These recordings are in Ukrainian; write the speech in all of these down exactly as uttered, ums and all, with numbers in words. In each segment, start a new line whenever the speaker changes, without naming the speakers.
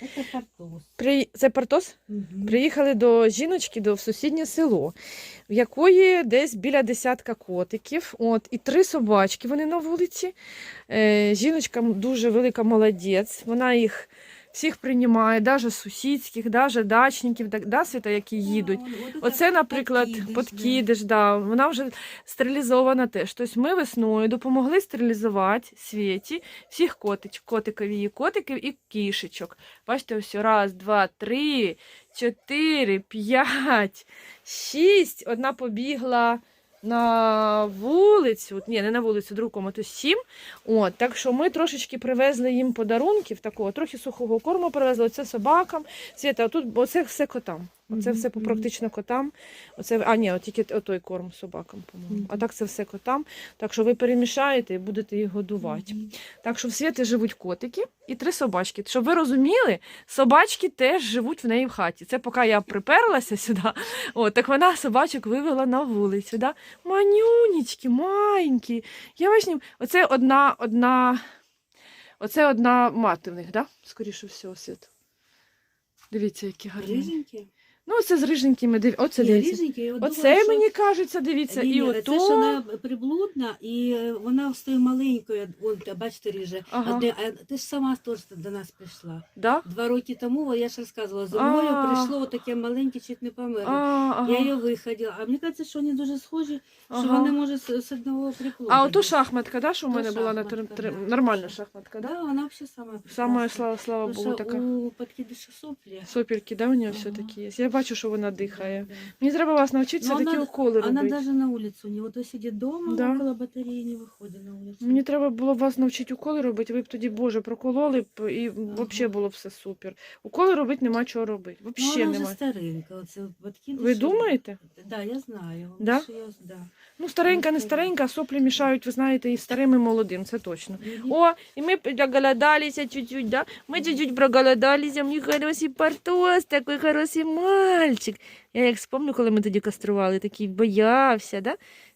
Це Портос.
При... Це Портос?
Угу.
Приїхали до жіночки до в сусіднє село, в якої десь біля десятка котиків, от, і три собачки вони на вулиці. Е, жіночка дуже велика молодець, вона їх всіх приймає, навіть сусідських, навіть дачників, да, Світа, які їдуть. Оце, наприклад, подкидиш, да. Вона вже стерилізована теж. Тобто ми весною допомогли стерилізувати Світі всіх котич, котикові її котиків і кішечок. Бачите, ось раз, два, три, чотири, п'ять, шість. Одна побігла на вулицю, ні, не на вулицю, другу комнату, сім. От, так що ми трошечки привезли їм подарунків, такого, трохи сухого корму привезли, оце собакам. Світа, тут, оце все котам. Оце все
Мгм.
практично котам. Оце, а ні, от тільки отой корм собакам, по-моєму. А так це все котам. Так що ви перемішаєте і будете їх годувати.
Мгм.
Так що в Світі живуть котики і три собачки. Щоб ви розуміли, собачки теж живуть в неї в хаті. Це поки я приперлася сюди, от, так вона собачок вивела на вулицю. Да? Манюнечки, маленькі. Я бачу, оце одна, одна, оце одна мати в них, да? Скоріше всього, Світ. Дивіться, які гарні.
Риженькі?
Ну, це з риженькими, див... оце
Ні,
дивіться.
риженькі, я от
Оце
думала, що-
мені кажеться, дивіться,
Ні,
і
ні,
ото.
Це ж вона приблудна, і вона стає маленькою, вон, бачите, ріже.
Ага.
А, де- а ти ж сама теж до нас прийшла.
Да?
Два роки тому, я ж розказувала, зимою
А.
прийшло таке маленьке, чуть не
А,
померло.
ага.
Я її виходила. А мені кажеться, що вони дуже схожі, що
Ага.
вони може з, з одного приплоду.
А ото шахматка, да, що в
То
мене була на
шахматка,
три...
да.
нормальна шахматка, да?
Да, вона взагалі сама.
Саме,
класна.
слава, слава
Тому
Богу,
що
така.
у подкидиша соплі.
Сопірки, да, у нього
Ага.
все-таки є. Я бачу, що вона дихає.
Да, да.
Мені треба вас навчитися
Ну,
такі
вона-
уколи
Она
робити.
даже на улицу не вот то сидит дома,
Да.
около батареи не выходит на улицу.
Мені треба було вас навчити уколи робити, ви б тоді, Боже, прокололи б, і взагалі було б все супер. Уколи робити нема чого робити.
Ну,
Взагалі
вона вже
нема.
старенька. Оце подкидиш.
Ви думаєте?
Да, я знаю.
Да?
Що я, да.
Ну, старенька, не старенька, а соплі мішають, ви знаєте, і старим, і молодим, це точно. О, и мы проголодались чуть-чуть, да? Мы чуть-чуть проголодались, а мій хороший Портос, такий хороший мальчик. Я як вспомню, коли ми тоді кастрували, такий боявся, да?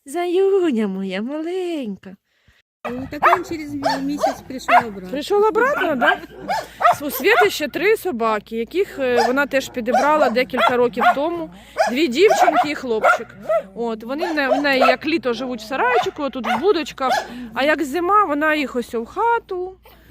Заюня моя маленька.
Ну, так він через місяць прийшов обратно.
Прийшов обратно, да? У Світи ще три собаки, яких е, вона теж підібрала декілька років тому. Дві дівчинки і хлопчик. От, вони в не- в неї як літо живуть в сарайчику, тут в будочках, а як зима, вона їх ось в хату.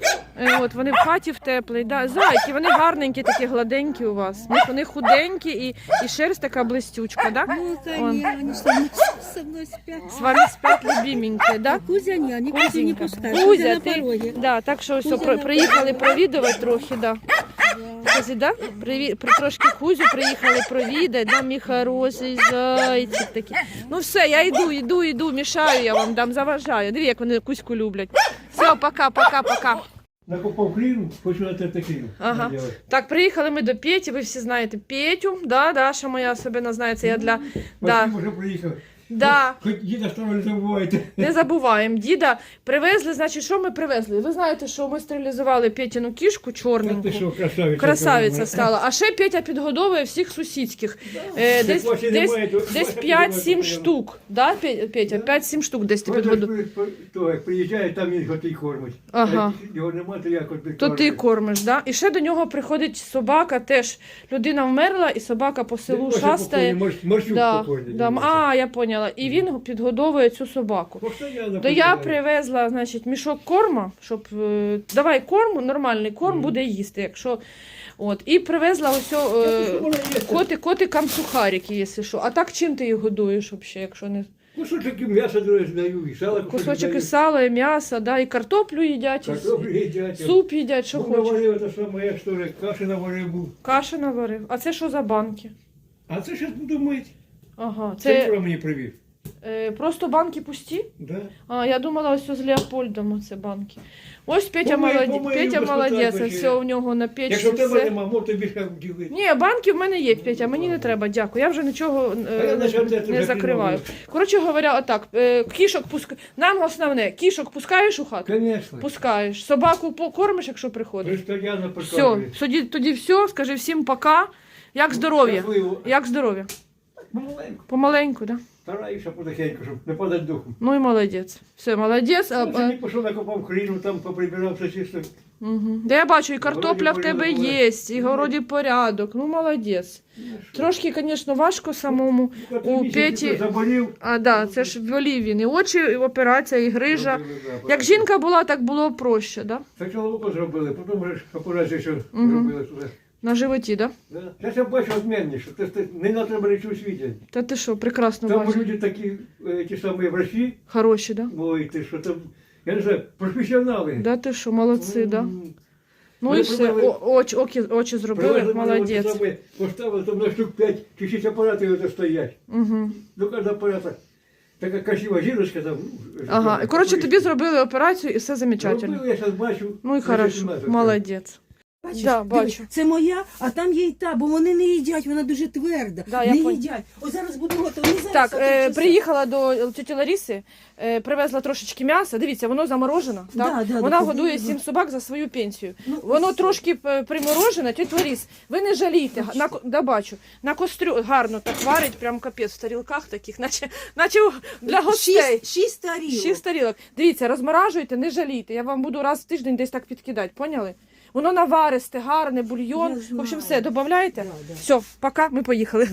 Е, От, вони в хаті в теплій. Да. Зайки, вони гарненькі, такі гладенькі у вас. Вони- Вони худенькі і, і шерсть така блистючка, да?
Ну, це
Он.
ні, вони со мною, со мною спять.
З вами спять любименькі, да?
Кузя ні, вони Кузю не
Кузенька.
пускають.
Кузя,
Кузя на
ти-
порогі.
Да, так що все,
Кузя
про,
на
приїхали
порогі.
провідувати трохи, да.
Да.
Кузі, да? Приві... При, трошки Кузю приїхали провідати, да, мій хороший зайчик такий. Ну все, я йду, йду, йду, мішаю я вам, дам, заважаю. Диві, як вони Кузьку люблять. Все, пока, пока, пока.
Накопав хріну, хочу на те хріну.
Ага. Так, приїхали ми до Петі, ви всі знаєте Петю, да, Даша моя особливо знає, це я для... Да,
Спасибо, що приїхав.
да.
Хоч діда старого не забувайте.
Не забуваємо, діда привезли, значить, що ми привезли? Ви знаєте, що ми стерилізували Петіну кішку
Та
чорненьку.
ти що, красавиця.
Красавиця стала. А ще Петя підгодовує всіх сусідських. Е, десь
Бачите,
десь,
немає, то-
десь
бачите,
п'ять-сім
немає, то
штук. Да, Пе- Петя? п'ять-сім штук десь ти
Ось
підгодовує.
ж при- то, як приїжджає, там він його ти кормить.
Ага.
А як його нема, то як от
То ти кормиш, да? І ще до нього приходить собака, теж людина вмерла, і собака по селу шастає.
Морщук
Да,
покойний.
да. А, я поняла. І він підгодовує цю собаку.
Постоянно
То я
покидає.
привезла, значить, мішок корма, щоб е, давай корм, нормальний корм
Мгм.
буде їсти, якщо от. І привезла ось о,
Та ти
е,
що, вона є?
коти, котикам сухарики, якщо що. А так чим ти їх годуєш взагалі, якщо не
Кусочок м'яса друге даю, і сало
кусочок
даю.
і сала, і м'яса, да, і картоплю їдять, і
Картоплю їдять.
суп їдять, що
Був
хочеш.
наварив, те саме, як що ж, каші наварив був.
Каші наварив. А це що за банки?
А це зараз буду мити.
Ага,
Це
це
вчора мені привів.
е, просто банки пусті?
Да?
А, я думала, ось з Леопольдом оце банки. Ось Петя
Помию,
молодець,
помию,
Петя
без
молодець,
питань,
все у нього на печі,
Якщо в тебе
все.
нема, можна більше ділити.
Ні, банки в мене є, Петя, мені не треба, дякую. Я вже нічого е,
А я
не,
почав це
не
вже
закриваю.
придумав.
Коротше говоря, отак, е, кішок пускаєш, нам основне, кішок пускаєш у хату?
Звісно.
Пускаєш. Собаку по- кормиш, якщо приходиш?
Постоянно
Все,
показує.
тоді, тоді все, скажи всім пока. Як здоров'я?
Щасливо.
Як здоров'я?
Помаленьку.
Помаленьку, да?
Стараюся потихеньку, щоб не падати духом.
Ну і молодець. Все, молодець. А,
Ну,
а,
сьогодні пішов, накопав хріну, там поприбирав все чисто.
Угу. Да я бачу, і картопля в
Городі
тебе
порядок.
є, і в городі порядок. Ну, молодець. Трошки, звісно, важко самому. У Петі-
Заболів.
А, да, це ж болів він. І очі, і операція, і грижа.
Зробили, да,
Як жінка була, так було проще, да?
Спочатку око зробили, потім вже ж операцію ще
Мгм.
зробили туди.
На животі, да?
Да. Зараз я бачу відмінніше. Це, це не на треба нічого у світі.
Та ти що, прекрасно
Там
бачиш.
люди такі, е, ті самі врачі,
Хороші, да?
ой, ти що там, я не знаю, професіонали.
Да ти що, молодці, да?
М.
Ну
Ми
і все,
привели-
О, очі, очі, очі зробили,
Привезли мене, от
молодець.
ті самі, поставили, там на штук п'ять чи шість апаратів ото стоять.
Угу.
До кожного апарата така красива жіночка там. ну,
Ага, і коротше, тобі зробили операцію і все замечательно.
Зробили, я зараз бачу.
Ну і
значить,
хорошо,
нема тут.
молодець.
Бачиш,
Да,
диви,
бачу.
це моя, а там є і та, бо вони не їдять, вона дуже тверда.
Да, я
не
пон-
їдять. Ось зараз буду готова. Вони зараз
Так,
за три
е,
часа.
приїхала до тіті Лариси, е, привезла трошечки м'яса. Дивіться, воно заморожено.
Да,
Так?
да,
Вона
да,
годує
да.
сім собак за свою пенсію.
Ну,
Воно
ось.
трошки е, приморожене, тітя Ларис, ви не жалійте.
Ну,
На, ко- да, бачу. На кострю гарно так варить, прям капець в тарілках таких, наче, наче для гостей.
Шість, шість тарілок.
Шість тарілок. Дивіться, розморажуйте, не жалійте. Я вам буду раз в тиждень десь так підкидати, поняли? Воно наваристе, гарне, бульйон.
Я
В общем,
знаю.
все, додаєте?
Да, да.
Все, пока, ми поїхали.